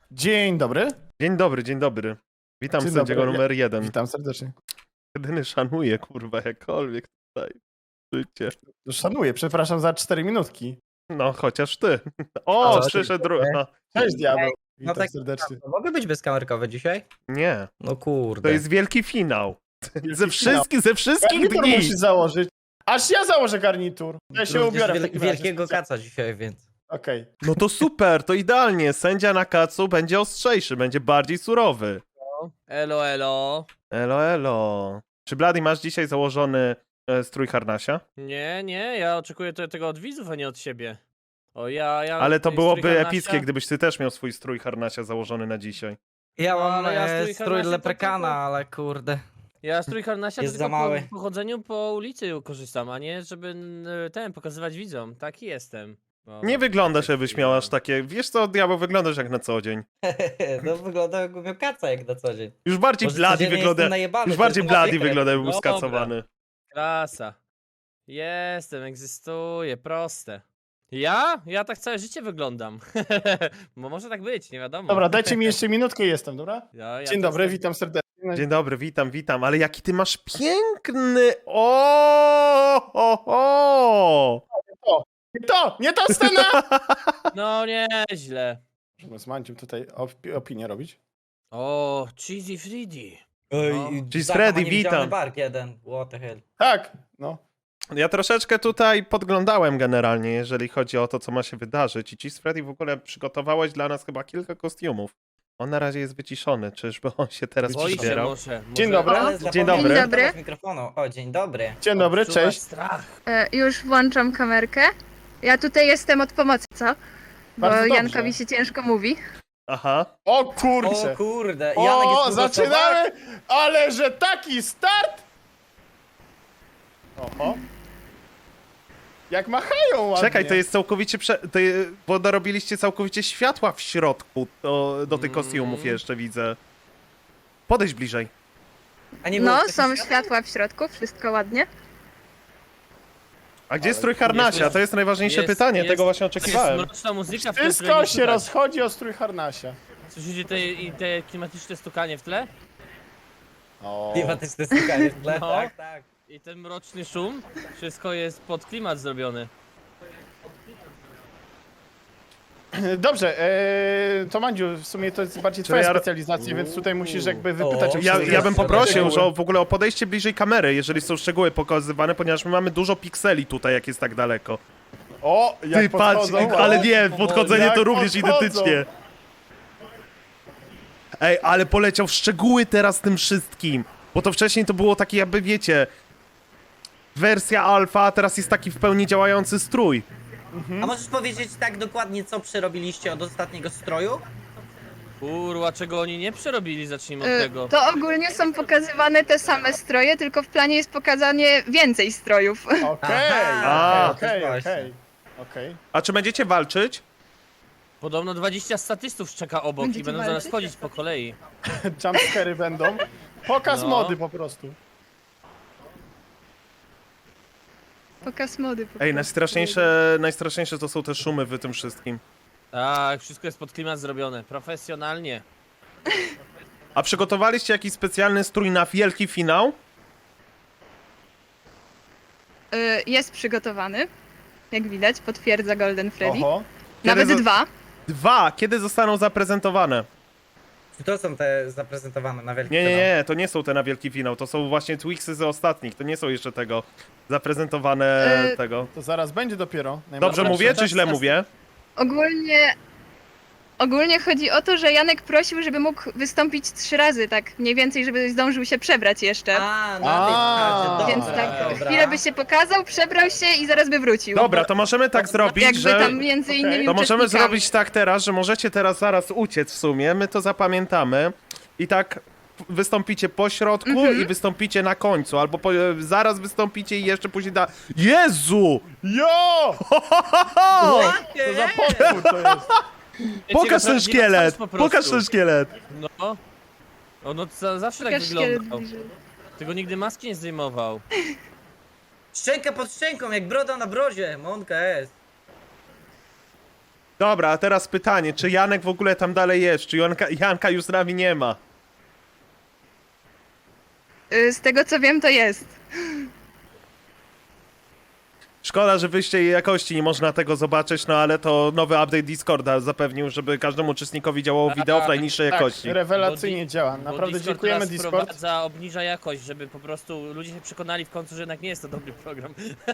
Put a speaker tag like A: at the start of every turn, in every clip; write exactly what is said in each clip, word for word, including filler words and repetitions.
A: Dzień dobry.
B: Dzień dobry, dzień dobry. Witam
A: Dzień
B: sędziego
A: dobry.
B: numer jeden.
A: Witam serdecznie.
B: Jedyny szanuję, kurwa, jakkolwiek tutaj. Życie.
A: No, szanuję, przepraszam za cztery minutki.
B: No, chociaż ty. O,
C: Co?
B: przyszedł drugi. No,
A: Cześć diabeł.
C: No
A: Witam
C: tak,
A: serdecznie.
C: Mogę być bezkamerkowy dzisiaj?
B: nie,
C: No kurde.
B: to jest wielki finał.
A: Wielki
B: Ze
A: finał.
B: wszystkich, ze wszystkich
A: Garnitur
B: dni.
A: musisz założyć. Aż ja założę garnitur. Ja się
C: Również
A: ubiorę w
C: wiel
A: takim razie.
C: wielkiego kaca dzisiaj, więc.
A: Okej.
B: No to super, to idealnie. Sędzia na kacu będzie ostrzejszy, będzie bardziej surowy.
D: Elo, elo.
B: Elo, elo. Czy Blady masz dzisiaj założony e, strój harnasia?
D: Nie, nie, ja oczekuję to, tego od widzów, a nie od siebie. O, ja, ja...
B: Ale to
D: strój
B: byłoby
D: harnasia?
B: epickie, gdybyś ty też miał swój strój harnasia założony na dzisiaj.
C: Ja
D: No,
C: mam
D: ale ja
C: e,
D: strój
C: strój
D: harnasia to
C: leprekana,
D: tylko-
C: ale kurde.
D: Ja strój harnasia
C: Jest
D: tylko
C: za mały.
D: Po, po chodzeniu po ulicy korzystam, a nie żeby n- ten pokazywać widzom. Taki jestem. O,
B: Nie wyglądasz,
D: taki
B: jakbyś miał
D: jestem.
B: aż takie... Wiesz co, diabeł, wyglądasz jak na co dzień.
C: No wygląda jakbym miał kaca jak na co dzień.
B: Już bardziej
C: Może
B: Blady
C: codziennie
B: wygląda...
C: jestem najebany,
B: Już
C: to
B: bardziej
C: jest
B: Blady
C: sekret.
B: wygląda, jakby był
D: Dobra.
B: skacowany.
D: Klasa. Jestem, egzystuję, proste. Ja? Ja tak całe życie wyglądam. Bo może tak być, nie wiadomo.
A: Dobra, dajcie mi jeszcze minutkę i jestem, dobra?
D: Ja, ja
A: Dzień
D: też
A: dobry,
D: tak-
A: witam serdecznie.
B: Dzień dobry, witam, witam, ale jaki ty masz piękny... O, o, o.
A: Nie to, nie to scena!
D: No nieźle.
A: Możemy z Manciem tutaj op- opinię robić.
D: O, Cheesy Freddy.
C: Oj,
D: No.
C: i
B: Cześć,
C: Zacha
B: Freddy,
C: ma niewidzialny
B: witam.
C: bark jeden, what the hell.
A: Tak, no.
B: Ja troszeczkę tutaj podglądałem generalnie, jeżeli chodzi o to, co ma się wydarzyć. I ci z Freddy w ogóle przygotowałeś dla nas chyba kilka kostiumów. On na razie jest wyciszony, czyżby on się teraz
D: Boi się
B: przybierał?
D: może, może.
A: Dzień dobry.
C: Ale
B: Dzień
C: zapomniałem
B: dobry.
C: wyłączyć
E: Dzień dobry.
C: mikrofonu. O, dzień dobry.
A: Dzień dobry,
D: Odczuwa
A: cześć.
D: strach.
E: E, już włączam kamerkę. Ja tutaj jestem od pomocy, co? Bo
A: Bardzo dobrze.
E: Jankowi się ciężko mówi.
B: Aha.
A: O
C: O
A: kurczę.
C: kurde, Janek
A: O,
C: jest przygotowany.
A: zaczynamy! Ale że taki start! Oho. Jak machają ładnie.
B: Czekaj, to jest całkowicie prze... To je... Bo dorobiliście całkowicie światła w środku do, do tych
D: Mm.
B: kostiumów jeszcze, widzę. Podejdź bliżej.
C: A nie było
E: No,
C: takich
E: są
C: świat-
E: światła w środku, wszystko ładnie.
B: A gdzie jest strój harnasia?
D: jest-
B: To jest najważniejsze
D: jest-
B: pytanie,
D: jest-
B: tego właśnie
D: Jest
B: oczekiwałem.
D: mroczna muzyka w tym
A: Wszystko
D: tle nie
A: się
D: słychać.
A: rozchodzi o strój harnasia.
D: Słyszycie te, i te klimatyczne stukanie w tle?
A: O.
C: Klimatyczne stukanie w tle,
D: No.
C: tak, tak.
D: I ten mroczny szum? Wszystko jest pod klimat zrobione.
A: Dobrze, e, to Mandziu, w sumie to jest bardziej twoja
B: ja-
A: specjalizacja, więc tutaj musisz jakby wypytać
C: O,
A: o
B: Ja,
A: wszystkie
B: ja bym poprosił,
A: szczegóły.
B: że w ogóle o podejście bliżej kamery, jeżeli są szczegóły pokazywane, ponieważ my mamy dużo pikseli tutaj, jak jest tak daleko.
A: O, jak
B: Ty patrz,
A: podchodzą,
B: ale
A: o,
B: nie, podchodzenie
A: jak
B: to również
A: podchodzą.
B: identycznie. Ej, ale poleciał w szczegóły teraz tym wszystkim, bo to wcześniej to było takie jakby, wiecie, wersja alfa, a teraz jest taki w pełni działający strój.
C: A możesz powiedzieć tak dokładnie, co przerobiliście od ostatniego stroju?
D: Kurwa, czego oni nie przerobili, zacznijmy od
E: E,
D: tego.
E: To ogólnie są pokazywane te same stroje, tylko w planie jest pokazanie więcej strojów.
A: Okej,
B: A.
A: okej,
C: To
A: okej,
C: jest
A: okej, okej.
B: A czy będziecie walczyć?
D: Podobno dwadzieścia statystów czeka obok i
E: Będziecie
D: będą zaraz
E: walczyć?
D: chodzić po kolei.
A: Jumpscary będą. Pokaz
D: No.
A: mody po prostu.
E: Pokaz mody. po
B: Ej,
E: prostu.
B: najstraszniejsze, najstraszniejsze to są te szumy w tym wszystkim.
D: Tak, wszystko jest pod klimat zrobione. Profesjonalnie.
B: A przygotowaliście jakiś specjalny strój na wielki finał?
E: E, Jest przygotowany. Jak widać, potwierdza Golden Freddy.
A: Oho.
E: Nawet
B: Kiedy zo-
E: dwa.
B: Dwa! Kiedy zostaną zaprezentowane?
C: To są te zaprezentowane na wielki
B: Nie, nie,
C: finał.
B: nie, to nie są te na wielki finał, to są właśnie Twixy z ostatnich, to nie są jeszcze tego zaprezentowane
E: E,
B: tego.
A: To zaraz będzie dopiero.
B: Dobrze
A: najmocniejsze.
B: mówię, czy
D: to
B: źle
D: jest-
B: mówię?
E: Ogólnie... Ogólnie chodzi o to, że Janek prosił, żeby mógł wystąpić trzy razy, tak mniej więcej, żeby zdążył się przebrać jeszcze.
C: A, na tej
A: A,
C: zasadzie,
E: Więc
C: dobra,
E: tak,
C: dobra.
E: chwilę by się pokazał, przebrał się i zaraz by wrócił.
B: Dobra, to możemy tak zrobić,
E: Jakby
B: że...
E: tam między
A: Okej.
E: innymi
B: To możemy
E: uczestnikami.
B: zrobić tak teraz, że możecie teraz zaraz uciec w sumie, my to zapamiętamy i tak wystąpicie po środku
E: Mhm.
B: i wystąpicie na końcu, albo po, zaraz wystąpicie i jeszcze później da... Jezu!
A: Jo!
B: O!
A: Co za potwór to jest?
B: Pokaż ten
D: Prawdziwa
B: szkielet!
D: twarz po prostu.
B: Pokaż ten szkielet!
D: No. O, no to zawsze tak
E: Pokaż szkielet
D: wyglądał.
E: bliżej.
D: Tego nigdy maski nie zdejmował.
C: Szczęka pod szczęką, jak broda na brodzie, Monka jest.
B: Dobra, a teraz pytanie, czy Janek w ogóle tam dalej jest? Czy Janka, Janka już z nami nie ma?
E: Y, Z tego co wiem, to jest.
B: Szkoda, że wyjście jakości nie można tego zobaczyć, no ale to nowy update Discorda zapewnił, żeby każdemu uczestnikowi działało wideo w najniższej
A: Tak,
B: jakości.
A: rewelacyjnie
D: Bo
A: działa.
D: Bo
A: Naprawdę
D: Discord
A: dziękujemy
D: teraz
A: Discord.
D: wprowadza, obniża jakość, żeby po prostu ludzie się przekonali w końcu, że jednak nie jest to dobry program.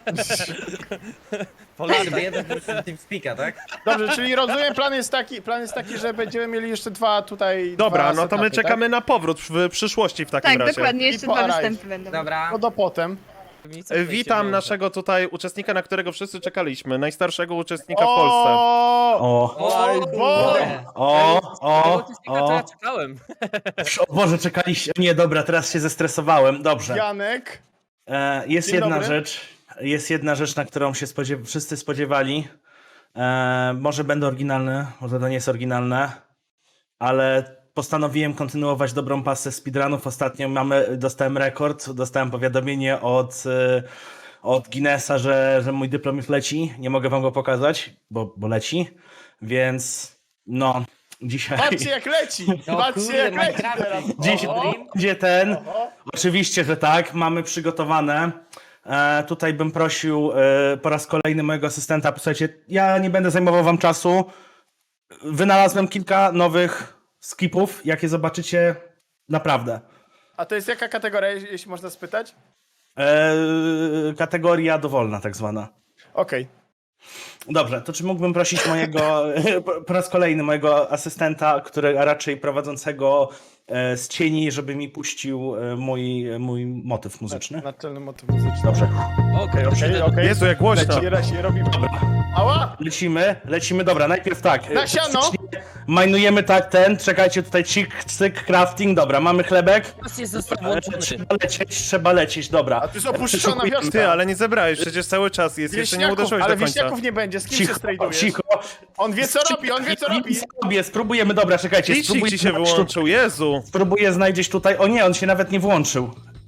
D: Po
C: Chyba
D: latach.
C: jeden plus TeamSpeaka, tak?
A: Dobrze, czyli rozumiem, plan jest taki, plan jest taki, że będziemy mieli jeszcze dwa tutaj.
B: Dobra,
A: dwa
B: no to my
A: setupy,
B: czekamy na powrót w przyszłości w takim
E: Tak,
B: razie.
E: dokładnie, jeszcze
A: I po
E: dwa
A: Arise.
E: występy będą.
C: Dobra.
A: Tak? No do potem.
B: E, Witam naszego tutaj uczestnika, na którego wszyscy czekaliśmy. Najstarszego uczestnika w Polsce.
A: O,
F: O,
A: Oj, Boże.
F: o, o,
D: To ja
F: o,
D: czekałem.
F: o Boże, czekaliście. Nie, dobra, teraz się zestresowałem. Dobrze.
A: Janek.
F: E, jest
A: Dzień
F: jedna
A: dobry.
F: rzecz, jest jedna rzecz, na którą się spodziew wszyscy spodziewali. E, może będę oryginalny, może to nie jest oryginalne, ale postanowiłem kontynuować dobrą pasę speedrunów. Ostatnio mamy, dostałem rekord, dostałem powiadomienie od, e, od Guinnessa, że, że mój dyplom już leci. Nie mogę wam go pokazać, bo, bo leci, więc no, dzisiaj...
A: Patrzcie jak leci.
C: No
A: Patrzcie
C: kurde,
A: jak leci
C: Minecraft.
A: teraz.
F: Dziś
A: O,
F: będzie ten.
A: o.
F: Oczywiście, że tak. Mamy przygotowane. E, tutaj bym prosił e, po raz kolejny mojego asystenta. Posłuchajcie, ja nie będę zajmował wam czasu. Wynalazłem kilka nowych skipów, jakie zobaczycie naprawdę.
A: A to jest jaka kategoria, jeśli można spytać?
F: E, kategoria dowolna, tak zwana.
A: Okej.
F: Dobrze, to czy mógłbym prosić mojego, po- po raz kolejny mojego asystenta, który, a raczej prowadzącego e, z cieni, żeby mi puścił e, mój, mój motyw muzyczny?
A: Naczelny motyw muzyczny.
F: Dobrze.
D: Okej,
A: Okej, okej.
B: Jezu, jak głośno.
A: Leci, leci, robimy. Ała!
F: Lecimy, lecimy, dobra, najpierw tak.
A: Na siano!
F: Majnujemy tak ten, czekajcie tutaj, cik, cyk, crafting, dobra, mamy chlebek.
D: Teraz jest został
F: E,
D: włączony.
F: Trzeba lecieć, trzeba lecieć, dobra.
A: A to jest opuszczona wioska.
B: Ty, ale nie zebrałeś, przecież cały czas jest, jeszcze nie
A: Wieśniaków,
B: uderzyłeś
A: ale
B: do końca.
A: wieśniaków nie będzie, z kim się
F: Cicho,
A: strajdujesz?
F: cicho.
A: On wie co robi, on wie co robi.
F: Sobie, spróbujemy, dobra, czekajcie,
B: Licznik
F: spróbuję
B: ci się
F: znaleźć tu-
B: wyłączył, Jezu.
F: Spróbuję znajdzieć tutaj, o nie, on się nawet nie włączył.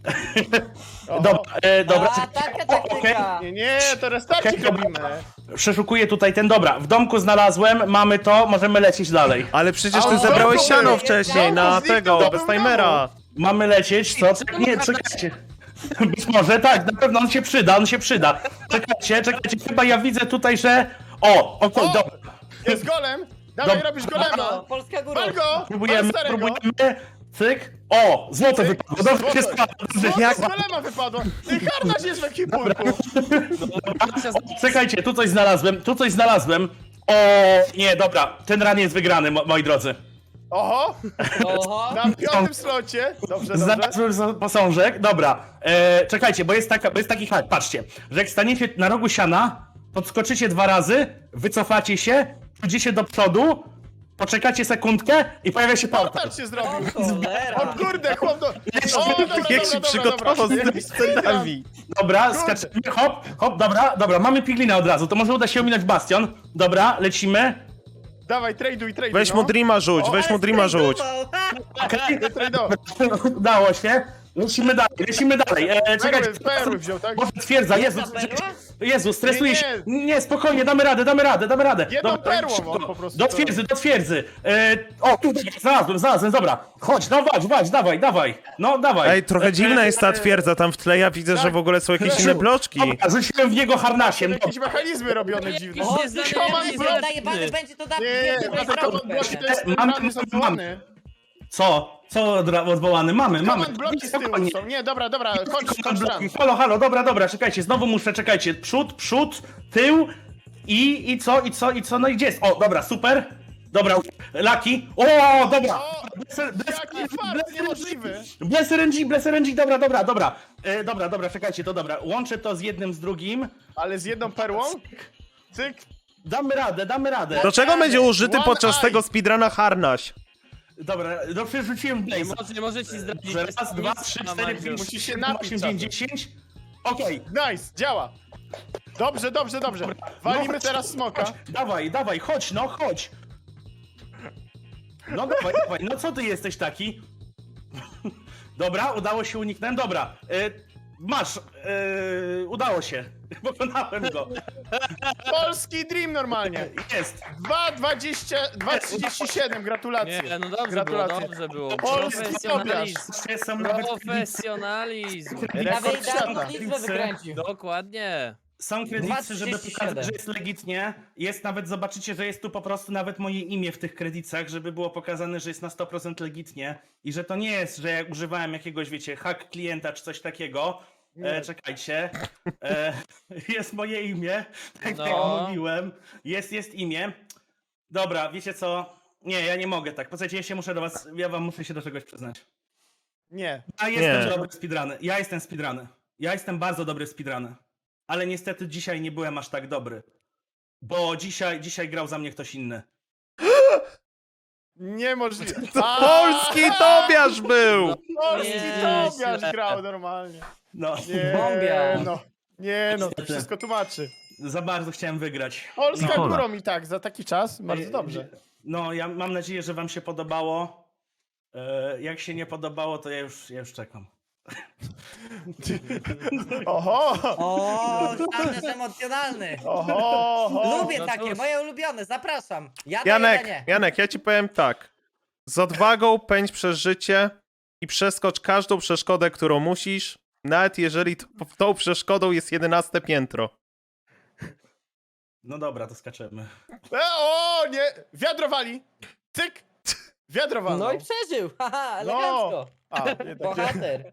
F: Dobra, e, dobra,
C: A, taka taktyka.
A: Nie, nie, to restarcik
F: Okej,
A: robimy.
F: przeszukuję tutaj ten, dobra, w domku znalazłem, mamy to, możemy lecieć dalej.
B: Ale przecież
A: A
B: ty
A: on
B: zebrałeś
A: znowu
B: siano
A: był.
B: wcześniej na
A: Znowu
B: tego,
A: zniknął,
B: bez
A: to był
B: timera.
F: Mamy lecieć, co? Nie, czekajcie. Być może tak, na pewno on się przyda, on się przyda. Czekajcie, czekajcie, chyba ja widzę tutaj, że... O, okej,
A: O!
F: dobra.
A: Jest golem. Dawaj,
F: Dobra.
A: robisz golema.
C: O, Polska góra.
A: Wal go!
F: Próbujemy,
A: Wal starego.
F: próbujemy. Cyk. O, złoto
A: Cyk.
F: wypadło, dobrze
A: Złoto.
F: się składa. dobrze.
A: Złoto z golema wypadło. Ty harnaś jest w ekipulku.
F: Czekajcie, tu coś znalazłem, tu coś znalazłem. O, nie, dobra, ten ran jest wygrany, mo moi drodzy.
A: Oho,
C: Oho.
A: na piątym slocie. Dobrze, dobrze.
F: Znalazłem za- posążek, dobra. E, czekajcie, bo jest, taka, bo jest taki hack, patrzcie, że jak staniecie na rogu siana, podskoczycie dwa razy, wycofacie się, pójdziecie do przodu, poczekacie sekundkę i pojawia się portal.
A: Portal się zrobił.
C: Cholera.
A: O kurde, chłop do... O, dobra,
B: Jak się
A: dobra, dobra,
B: przygotował
A: dobra.
B: z tymi scenami.
F: Dobra,
A: Kurde.
F: skaczemy, hop, hop, dobra, dobra, mamy piglina od razu, to może uda się ominąć bastion. Dobra, lecimy.
A: Dawaj, traduj, traduj.
B: Weź
A: no.
B: mu Dreama rzuć,
A: O,
B: weź mu Dreama rzuć.
F: Okej,
A: Tradował.
F: udało się. Lecimy dalej, lecimy dalej. E, czekajcie,
A: Perły, perły wziął, tak?
F: Boże, twierdza, Jezu,
C: Jedna perła?
F: Jezu, stresuję
A: Nie,
F: się.
A: nie.
F: Nie, spokojnie, damy radę, damy radę, damy radę.
A: Jedną perłą
F: szybko.
A: on po prostu
F: Do
A: to
F: twierdzy, do twierdzy. E, o, tu, znalazłem, znalazłem, dobra. Chodź, no wadź, wadź, dawaj, dawaj. No, dawaj.
B: Ej, trochę dziwna jest ta twierdza tam w tle, ja widzę, że w ogóle są jakieś inne bloczki.
F: Dobra, rzuciłem w niego harnasiem.
A: Jakieś mechanizmy robione dziwne.
D: O,
C: O,
D: znany
A: Command
C: będzie
A: block.
C: zajebany, będzie to da...
A: Nie, nie,
C: będzie
A: nie,
C: to
A: command bloki to jest
F: Mam-
A: rany są
F: mam-
A: odwołane.
F: Co? Co odra- odwołany? Mamy, mamy.
A: Command bloki z tyłu
F: Spokojnie.
A: są. Nie, dobra, dobra, kończ, kończ
F: Command
A: tam.
F: bloki. Halo, halo, dobra, dobra, czekajcie, znowu muszę, czekajcie. Przód, przód, tył i, i co, i co, i co, no i gdzie jest? O, dobra, super. Dobra, Laki. O, dobra.
A: O,
F: Bless- bless-
A: jaki
F: bless-
A: fart niemożliwy.
F: Bless R N G, Bless R N G, dobra, dobra, dobra. E, dobra, dobra, czekajcie, to dobra. Łączę to z jednym, z drugim.
A: Ale z jedną perłą? Cyk.
F: Damy radę, damy radę.
B: Do czego będzie użyty
A: One
B: podczas
A: eye.
B: tego speedruna harnaś?
F: Dobra, no przerzuciłem
D: Nie
F: Blaze'a.
D: może, nie może ci zdradzić.
F: Raz,
D: jest
F: dwa,
D: nic
F: trzy,
D: na
F: cztery,
D: Mandziu.
F: pięć,
A: Musisz się
F: siedem,
A: napić
F: osiem,
A: czasem.
F: dziewięć, dziesięć. Okej.
A: Nice, działa. Dobrze, dobrze, dobrze. Walimy
F: chodź,
A: teraz smoka.
F: Chodź, dawaj, dawaj, chodź, no chodź. No dawaj, dawaj, no co ty jesteś taki? Dobra, udało się uniknąć, dobra. Y, Masz, yy, udało się. Pokonałem go.
A: Polski Dream normalnie.
F: Jest.
A: dwa dwadzieścia, dwa trzydzieści siedem, gratulacje.
D: Nie, no dobrze
A: Gratulacje.
D: było, dobrze było.
A: Polski
D: Profesjonalizm.
F: Jeszcze są nawet kredyty,
D: Profesjonalizm.
A: Rekord
C: Nawet
A: świata.
C: nawet liczbę wykręcił.
D: Dokładnie.
F: są kredyty, żeby
C: dwa trzydzieści
F: pokazać,
C: siedem.
F: że jest legitnie. Jest nawet, zobaczycie, że jest tu po prostu nawet moje imię w tych kredytach, żeby było pokazane, że jest na sto procent legitnie i że to nie jest, że ja używałem jakiegoś, wiecie, hack klienta czy coś takiego. E, czekajcie. E, jest moje imię, tak
D: No.
F: jak mówiłem. Jest, jest imię. Dobra, wiecie co? Nie, ja nie mogę tak. Posłuchajcie, ja się muszę do was, ja wam muszę się do czegoś przyznać.
A: Nie.
F: Ja jestem
B: Nie.
F: dobry w speedruny. Ja jestem speedruny. Ja jestem bardzo dobry w speedruny. Ale niestety dzisiaj nie byłem aż tak dobry. Bo dzisiaj, dzisiaj grał za mnie ktoś inny.
A: Niemożliwe.
B: To
A: A,
B: polski Tobiasz był!
A: Polski
D: Nie,
A: Tobiasz
D: źle.
A: grał normalnie.
F: No,
A: Nie,
C: Bombia.
A: no. Nie no, to
F: Niestety.
A: wszystko tłumaczy.
F: za bardzo chciałem wygrać.
A: Polska
F: No.
A: górą i tak, za taki czas, bardzo
F: Ej,
A: dobrze.
F: No, ja mam nadzieję, że wam się podobało. E, Jak się nie podobało, to ja już, ja już czekam.
A: Oho!
C: O, Sanders emocjonalny.
A: Oho! oho.
C: Lubię
D: No
C: takie,
D: cóż.
C: moje ulubione, zapraszam. Ja daję
B: Janek,
C: danie.
B: Janek, ja ci powiem tak. Z odwagą pędź przez życie i przeskocz każdą przeszkodę, którą musisz, nawet jeżeli to, tą przeszkodą jest jedenaste piętro.
F: No dobra, to skaczemy.
A: E, o, nie! Wiadro wali! Cyk! Wiadro walnął.
C: No i przeżył, haha, elegancko.
A: A, jednak nie.
C: Bohater.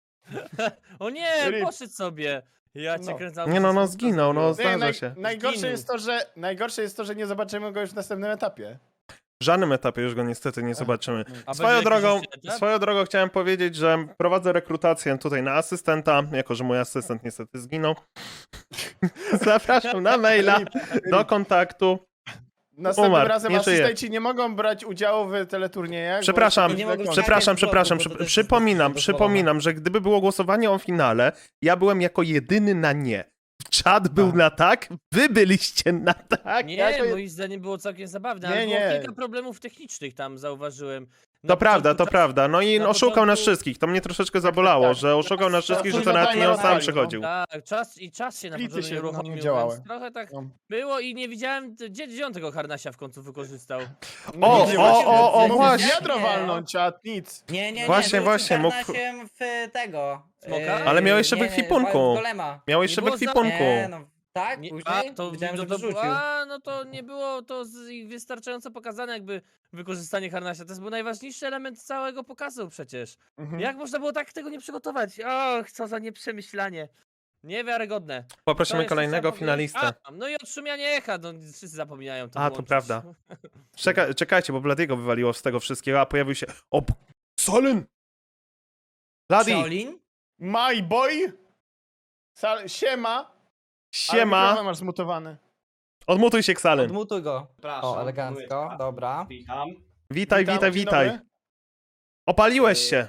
D: O nie,
A: Rip.
D: poszedł sobie. Ja cię
A: No.
D: kręcam.
B: Nie no, no zginął, no
A: Nie,
B: zdarza
A: naj,
B: się.
A: najgorsze,
D: Zginął.
A: jest to, że, najgorsze jest to, że nie zobaczymy go już w następnym etapie.
B: W żadnym etapie już go niestety nie zobaczymy.
D: A
B: Swoją
D: będzie
B: drogą,
D: jakiś jeszcze etap?
B: swoją drogą chciałem powiedzieć, że prowadzę rekrutację tutaj na asystenta, jako że mój asystent niestety zginął. Zapraszam na maila do kontaktu.
A: Następnym
B: Umarł,
A: razem
B: nie żyje.
A: asystenci nie mogą brać udziału w teleturniejach. bo
B: Przepraszam,
A: jest to
C: nie mogą
A: źle
B: Przepraszam,
C: skakać z
B: przepraszam,
C: bloku, bo to
B: przy,
C: też
B: przypominam,
C: jest
B: przypominam, że gdyby było głosowanie o finale, ja byłem jako jedyny na nie. Czad był
A: A.
B: na tak, wy byliście na tak.
D: Nie,
A: jako-
D: moim zdaniem było całkiem zabawne,
A: Nie,
D: ale było
A: nie.
D: kilka problemów technicznych tam zauważyłem. Na
B: To prawda,
D: początku
B: to
D: czas-
B: prawda. No i
D: na
B: oszukał nas
D: początku-
B: wszystkich. To mnie troszeczkę zabolało,
A: tak.
B: że oszukał nas wszystkich, że to
A: Twój
B: nawet nie on
A: zadanie
B: sam
A: odpalił,
B: przychodził.
D: Tak, czas i czas się na
A: Splity
D: początku
A: się
D: nie
A: no,
D: uruchomił,
A: nie działały.
D: więc trochę tak
A: No.
D: było i nie widziałem, gdzie, gdzie on tego harnasia w końcu wykorzystał.
B: O,
A: Nie,
B: o,
A: właśnie,
B: o, o,
A: mógł
B: właśnie.
A: Wiadro
C: Nie.
A: walnąć, a nic.
C: Nie, nie, nie.
B: Właśnie,
C: rzucił
B: właśnie, mógł-
C: karnasiem w tego.
D: Smoka?
C: e,
B: Ale miał jeszcze
C: nie, nie,
B: wykwipunku.
C: w golema.
B: Miał jeszcze
D: było za-
B: wykwipunku.
C: Nie, no, tak,
D: Nie,
C: później
D: a, to,
C: widziałem,
D: no
C: że
D: to,
C: wyrzucił.
D: a, no to nie było to z, wystarczająco pokazane jakby wykorzystanie harnasia. To był najważniejszy element całego pokazu przecież.
A: Mhm.
D: Jak można było tak tego nie przygotować? Och, co za nieprzemyślanie. Niewiarygodne. To
B: Poprosimy
D: jeszcze
B: kolejnego
D: trzeba powiedzieć-
B: finalistę.
D: A, no i odszumianie echa, no wszyscy zapominają to
B: A, to
D: włączyć.
B: prawda. Czeka, czekajcie, bo Bladiego wywaliło z tego wszystkiego, a pojawił się... O, b- Solyn! Bladi,
C: Shaolin?
A: My boy! Sal siema! Ale
B: siema!
A: mikrofon masz zmutowany.
B: Odmutuj się, Ksalyn.
C: Odmutuj go.
G: Przepraszam.
C: O, elegancko,
G: mówię,
C: dobra.
G: Witam.
B: Witaj,
A: Witam,
B: witaj,
A: dzień
B: witaj.
A: dobry.
B: Opaliłeś się.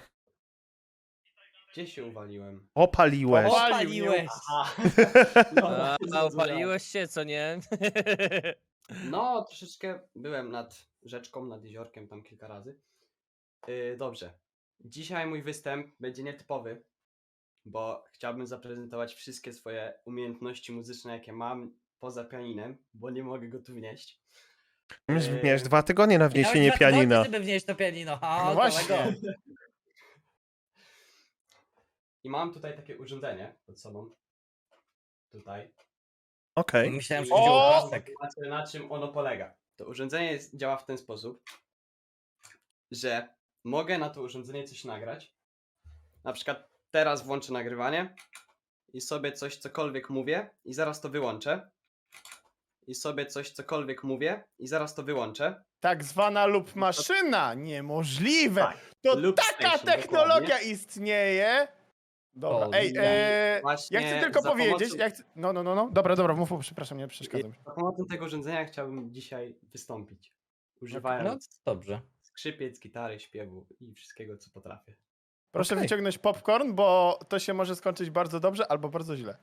G: Gdzie się uwaliłem?
B: Opaliłeś.
A: O,
C: Opaliłeś.
G: Aha.
D: A,
G: No,
D: a upaliłeś się, co nie?
G: no, troszeczkę byłem nad rzeczką, nad jeziorkiem tam kilka razy. Yy, dobrze. Dzisiaj mój występ będzie nietypowy, bo chciałbym zaprezentować wszystkie swoje umiejętności muzyczne, jakie mam poza pianinem, bo nie mogę go tu wnieść.
B: Miałeś-
G: Yy,
B: Miałeś dwa tygodnie na wniesienie
C: Miałeś dwa tygodnie,
B: pianina.
C: żeby wnieść to pianino. A,
A: No właśnie.
C: kolego.
G: I mam tutaj takie urządzenie pod sobą. Tutaj.
B: Okej.
C: Myślałem, że
A: O!
C: chodziło o pasek.
G: Zobaczcie, na czym ono polega. To urządzenie jest, działa w ten sposób, że mogę na to urządzenie coś nagrać. Na przykład teraz włączę nagrywanie i sobie coś cokolwiek mówię i zaraz to wyłączę. I sobie coś cokolwiek mówię i zaraz to wyłączę.
A: Tak zwana lub maszyna. Niemożliwe.
G: Tak,
A: To
G: loop
A: taka
G: station,
A: technologia
G: dokładnie.
A: istnieje. Dobra,
C: O,
A: ej,
C: nie.
A: e,
G: Właśnie
A: ja chcę tylko
G: za
A: powiedzieć,
G: pomocą-
A: ja chcę, no, no, no, no, dobra, dobra, mów, mów, przepraszam, nie przeszkadzam.
G: Za pomocą tego urządzenia chciałbym dzisiaj wystąpić.
C: No,
G: Używając
C: dobrze.
G: skrzypiec, gitary, śpiewu i wszystkiego co potrafię.
A: Proszę
B: Okej.
A: wyciągnąć popcorn, bo to się może skończyć bardzo dobrze albo bardzo źle.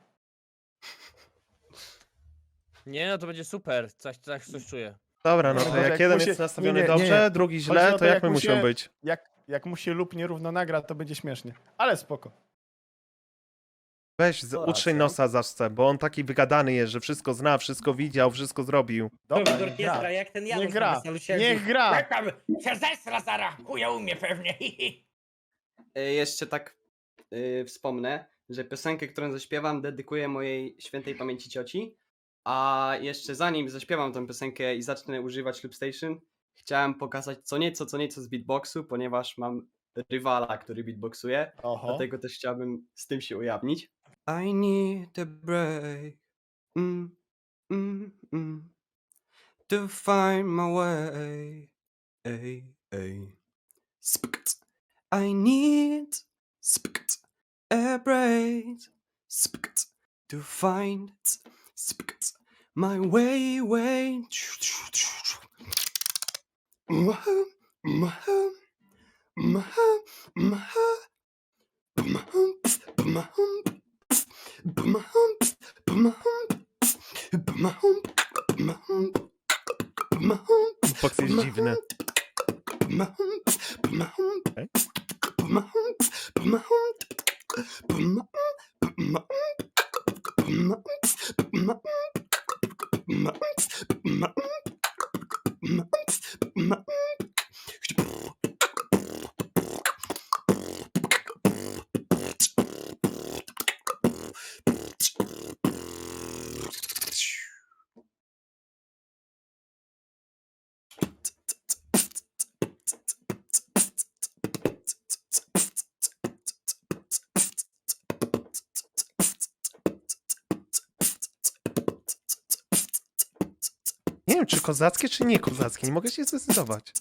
D: Nie, no to będzie super. Coś, coś, coś czuję.
B: Dobra, no to
A: Tylko,
B: jak
A: jak
B: jeden
A: mu się-
B: jest nastawiony
A: nie, nie, nie,
B: dobrze,
A: nie.
B: drugi
A: Chodzi
B: źle,
A: o
B: to
A: to,
B: jak
A: jak
B: my
A: mu
B: musimy
A: się-
B: być?
A: Jak, jak mu się lub nierówno nagra, to będzie śmiesznie. Ale spoko.
B: Weź, z,
A: To
B: utrzyj
A: racja.
B: nosa zawsze, bo on taki wygadany jest, że wszystko zna, wszystko widział, wszystko zrobił.
A: Dobra,
C: do
A: niech
C: orkiestra,
A: gra.
C: jak ten
A: Niech
C: Janusz na
A: gra.
C: weselu siedzi.
A: Niech gra.
H: Jak tam się zesra zara, chuja umie pewnie.
G: E, Jeszcze tak e, wspomnę, że piosenkę, którą zaśpiewam, dedykuję mojej świętej pamięci cioci. A jeszcze zanim zaśpiewam tę piosenkę i zacznę używać Loopstation, chciałem pokazać co nieco, co nieco z beatboxu, ponieważ mam rywala, który beatboxuje.
A: Oho.
G: Dlatego też chciałbym z tym się ujawnić. I need a break. Mm, mm, mm. To find my way. Ey, ey. Spkt. I need spkt, a break. Spkt. To find spkt, my way, way. Mha, mha, mha, mha.
B: Beatbox jest dziwny. Okej. Nie wiem, czy kozackie, czy nie kozackie. Nie mogę się zdecydować.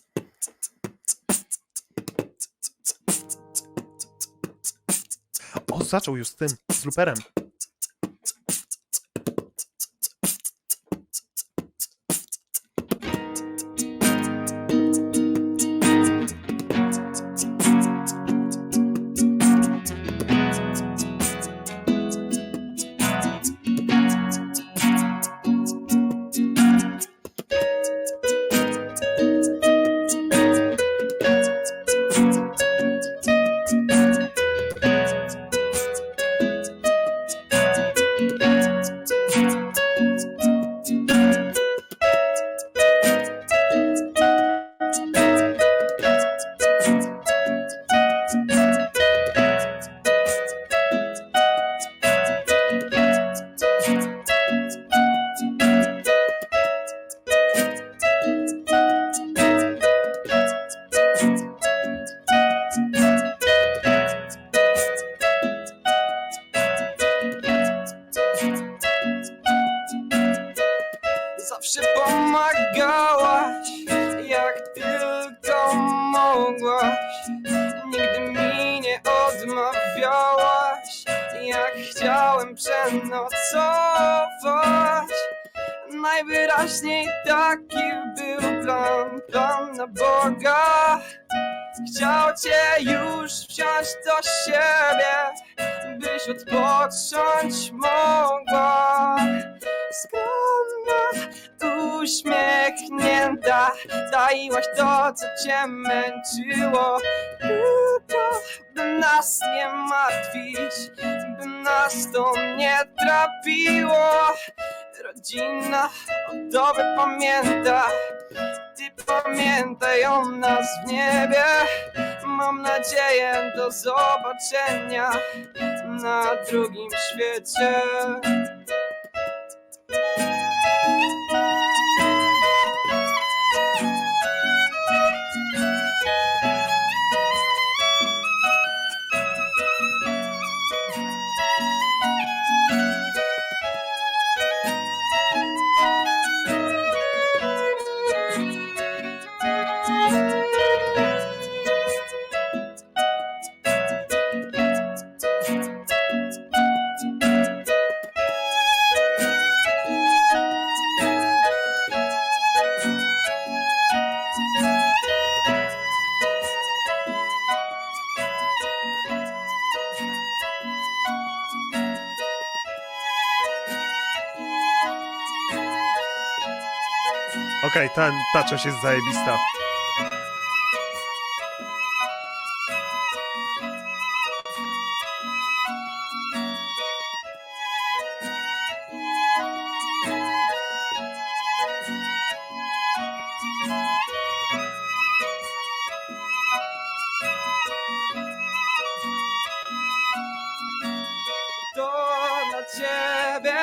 B: O, zaczął już z tym, z luperem.
G: Zawsze pomagałaś, jak tylko mogłaś. Nigdy mi nie odmawiałaś, jak chciałem przenocować. Najwyraźniej taki był plan, plan na Boga. Chciał cię już wziąć do siebie, byś odpocząć mogła. Skromna, uśmiechnięta, taiłaś to, co cię męczyło. Tylko by nas nie martwić, by nas to nie trapiło. Rodzina o tobie pamięta, ty pamiętaj o nas w niebie. Mam nadzieję do zobaczenia na drugim świecie.
B: Okej, ta, ta część jest zajebista.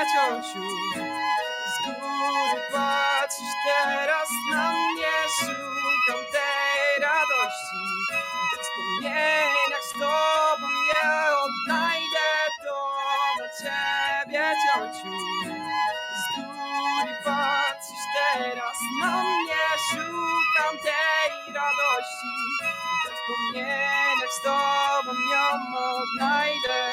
G: ciociu. Z góry patrzysz teraz na mnie, szukam tej radości. W wspomnieniach z tobą je odnajdę, to dla ciebie ciociu. Z góry patrzysz teraz na mnie, szukam tej radości. W wspomnieniach z tobą ją odnajdę.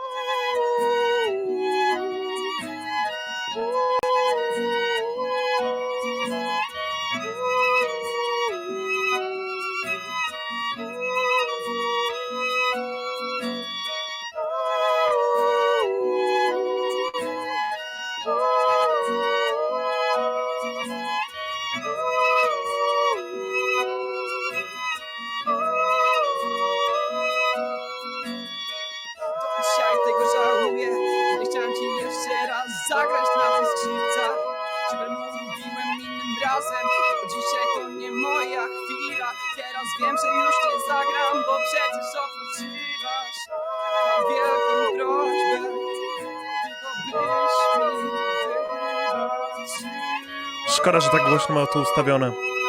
G: Dzisiaj tego żałuję, że nie chciałem ci jeszcze raz zagrać na tych skrzypcach. Że mówiłem innym razem, bo dzisiaj to nie moja chwila. Teraz wiem, że już nie zagram, bo przecież odpoczywasz. Mam wielką prośbę, tylko byś mi wybaczyła.
B: Szkoda, że tak głośno ma to ustawione.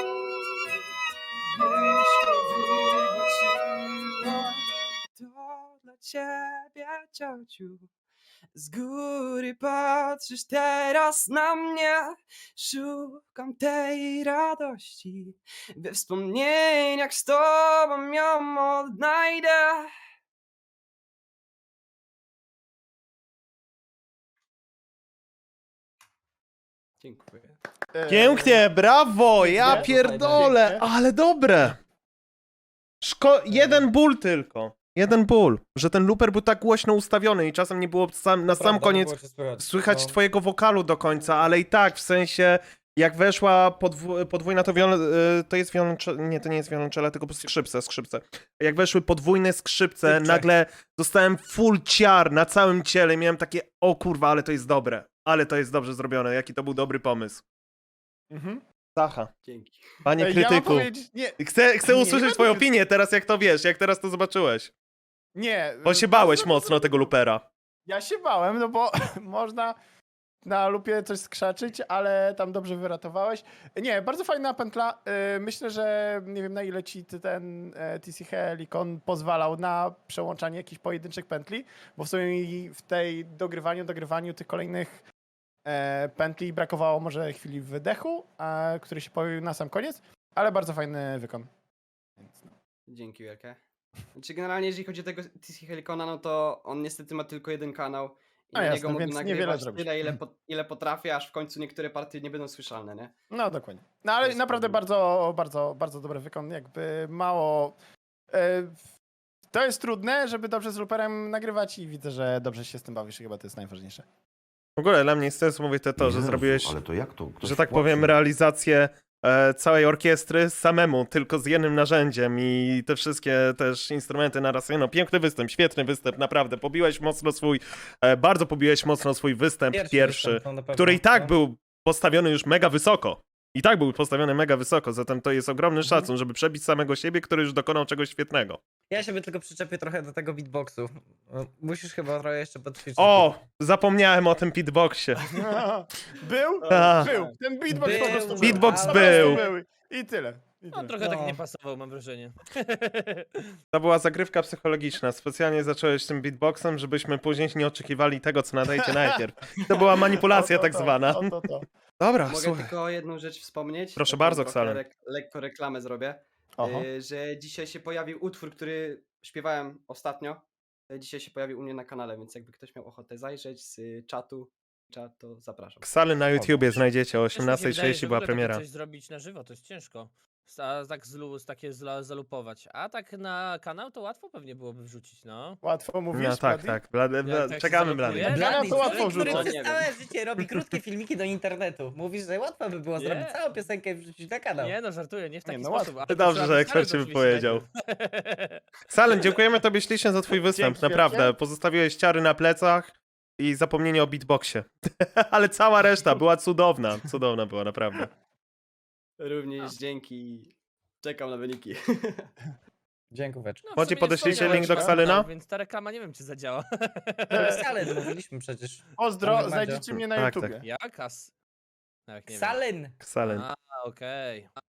G: To dla ciebie, ciociu. Z góry patrzysz teraz na mnie, szukam tej radości. We wspomnieniach z tobą ją odnajdę. Dziękuję.
A: E,
B: Pięknie, brawo, ja
A: Pięknie.
B: pierdolę,
A: Pięknie.
B: ale dobre. Szko jeden ból tylko, jeden ból, że ten looper był tak głośno ustawiony i czasem nie było sam, na sam koniec słychać twojego wokalu do końca, ale i tak, w sensie, jak weszła podw podwójna, to, wiol to jest wiolonczela, nie, to nie jest wiolonczela, tylko skrzypce, skrzypce. Jak weszły podwójne skrzypce,
A: Skrzypce.
B: nagle dostałem full ciar na całym ciele, miałem takie, o kurwa, ale to jest dobre, ale to jest dobrze zrobione, jaki to był dobry pomysł.
A: Mhm.
B: Zacha,
G: Dzięki.
B: panie
A: Ej, ja mam
B: krytyku,
A: powiedzieć, nie,
B: chcę, chcę
A: Nie, nie
B: usłyszeć
A: będę
B: twoją
A: kryty-
B: opinię teraz, jak to wiesz, jak teraz to zobaczyłeś.
A: nie.
B: Bo się
A: bardzo
B: bałeś
A: dobrze
B: mocno
A: zrobił.
B: tego loopera.
A: Ja się bałem, no bo można na lupie coś skrzaczyć, ale tam dobrze wyratowałeś. Nie, bardzo fajna pętla. Yy, Myślę, że nie wiem na ile ci ty ten e, T C Helicon pozwalał na przełączanie jakichś pojedynczych pętli, bo w sumie mi w tej dogrywaniu, dogrywaniu tych kolejnych e, pętli brakowało może chwili wydechu, e, który się pojawił na sam koniec, ale bardzo fajny wykon. Więc no.
G: Dzięki wielkie. Znaczy generalnie jeżeli chodzi o tego T C Helicona, no to on niestety ma tylko jeden kanał. I
A: A
G: na
A: jasne,
G: niego mogę
A: więc niewiele
G: nagrywać
A: zrobisz.
G: tyle, ile, po, ile potrafię, aż w końcu niektóre partie nie będą słyszalne, nie?
A: No dokładnie. No ale
G: To jest
A: naprawdę
G: problem.
A: bardzo, bardzo, bardzo dobry wykon. Jakby mało. E, to jest trudne, żeby dobrze z looperem nagrywać i widzę, że dobrze się z tym bawisz i chyba to jest najważniejsze.
B: W ogóle dla mnie jest sens mówić to, to że
I: Jezu,
B: zrobiłeś,
I: Ale to jak to? Ktoś
B: że tak
I: płaci?
B: powiem, realizację e, całej orkiestry samemu, tylko z jednym narzędziem i te wszystkie też instrumenty naraz. No, piękny występ, świetny występ, naprawdę. Pobiłeś mocno swój, e, bardzo pobiłeś mocno swój występ pierwszy, który i tak był postawiony już mega wysoko. I tak był postawiony mega wysoko, zatem to jest ogromny szacun, żeby przebić samego siebie, który już dokonał czegoś świetnego.
C: Ja się tylko przyczepię trochę do tego beatboxu. Musisz chyba trochę jeszcze podćwiczyć.
B: O, zapomniałem o tym beatboxie.
A: Był?
B: A.
A: Był. Ten beatbox po
C: Był.
A: prostu był.
B: Beatbox
A: Po
B: był.
A: prostu I tyle. I
D: No
A: tyle.
D: trochę
C: No.
D: tak nie pasował, mam wrażenie.
B: To była zagrywka psychologiczna. Specjalnie zacząłeś tym beatboxem, żebyśmy później nie oczekiwali tego, co nadajcie najpierw. To była manipulacja
A: O, to,
B: tak
A: to,
B: zwana.
A: o, to, to.
B: Dobra,
G: Mogę
B: słuchaj.
G: tylko jedną rzecz wspomnieć.
B: Proszę
G: Taką
B: bardzo,
G: trochę
B: Ksalen.
G: Lek, lekko reklamę zrobię.
A: Oho.
G: Y, że dzisiaj się pojawił utwór, który śpiewałem ostatnio. Y, Dzisiaj się pojawił u mnie na kanale, więc jakby ktoś miał ochotę zajrzeć z y, czatu, czat, to zapraszam.
B: Ksale na YouTubie znajdziecie o
D: Też mi się wydaje,
B: osiemnastej trzydzieści
D: że w
B: była
D: ogóle takie
B: premiera.
D: coś zrobić na żywo, to jest ciężko. A tak zlu, takie zla, zalupować. A tak na kanał to łatwo pewnie byłoby wrzucić, no.
A: Łatwo mówisz,
B: No tak,
A: Blady?
B: tak. Blady,
D: Jak
B: Blady,
D: tak się
B: czekamy,
D: zaloguje?
B: Blady.
A: Dla nas
C: Blady,
A: to łatwo
C: człowiek, który
A: wrzucać.
C: przez
G: Nie
C: całe życie robi krótkie filmiki do internetu. Mówisz, że łatwo by było
D: Nie.
C: zrobić całą piosenkę i wrzucić na kanał.
D: Nie no, żartuję, nie w taki
A: no
D: sposób.
A: łatwo.
D: ale
B: Dobrze,
D: trzeba
B: że
D: by
B: ekspert
D: znaleźć
B: się wypowiedział.
D: oczywiście.
B: Ksalen, dziękujemy tobie ślicznie za twój występ,
A: Dzięki
B: naprawdę.
A: wielkie.
B: Pozostawiłeś ciary na plecach i zapomnienie o beatboxie. Ale cała reszta była cudowna. Cudowna była, naprawdę.
G: Również dzięki. Czekam na wyniki.
I: Dziękóweczka.
D: No, w
B: Chodzi,
D: sumie nie
B: podeślijcie
D: wspomniałem
B: link do
D: o tym,
B: Ksalyna?
D: Więc ta reklama nie wiem, czy zadziała.
I: Ksalyn mówiliśmy przecież.
A: Pozdro,
I: Mamy
A: znajdziecie mnie na
B: Tak,
A: YouTubie.
B: tak.
D: Jaka? s- Nawet nie wiem.
I: Ksalyn!
B: Ksalen.
D: A, okej.